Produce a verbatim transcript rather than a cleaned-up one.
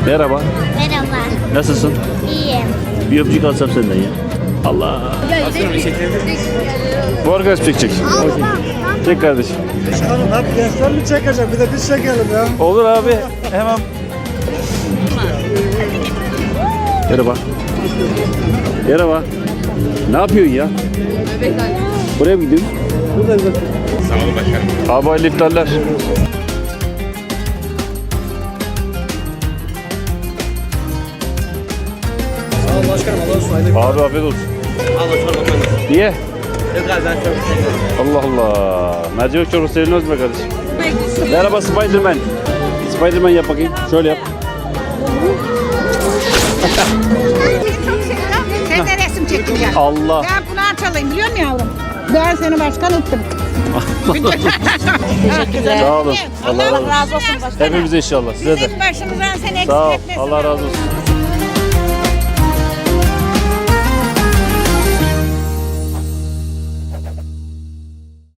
Merhaba. Merhaba. Nasılsın? İyiyim. Bir öpücük alsam senden ya. Allah. Bu arkadaş çekecek. Çek kardeşim. Çıkalım hep gençler mi çekecek? Bir de biz çekelim ya. Olur abi. Hemen. Merhaba. Merhaba. Ne yapıyorsun ya? Buraya mı gidiyorsun? Buradayız bak. Sağ olun başkanım. Abi hayırlı iftarlar. Sağ ol başkanım. Allah'a ısmarladık. Abi afiyet olsun. Allah çorba koyun. Niye? Yok abi ben çorba koyuyorum. Allah Allah. Mercimek çorbası sevilmez mi kardeşim? Merhaba Spiderman. Spiderman yap bakayım. Şöyle yap. Sen de resim çekeceksin. Allah. Ben bunu açalayım biliyor musun yavrum? Ben seni başkan ettim. Teşekkürler. Sağ olun. Allah Allah razı olsun. razı olsun başkanım. Hepimize inşallah. Size de. Bizim başımızdan sen eksik Sağ ol. etmesin. Allah razı olsun.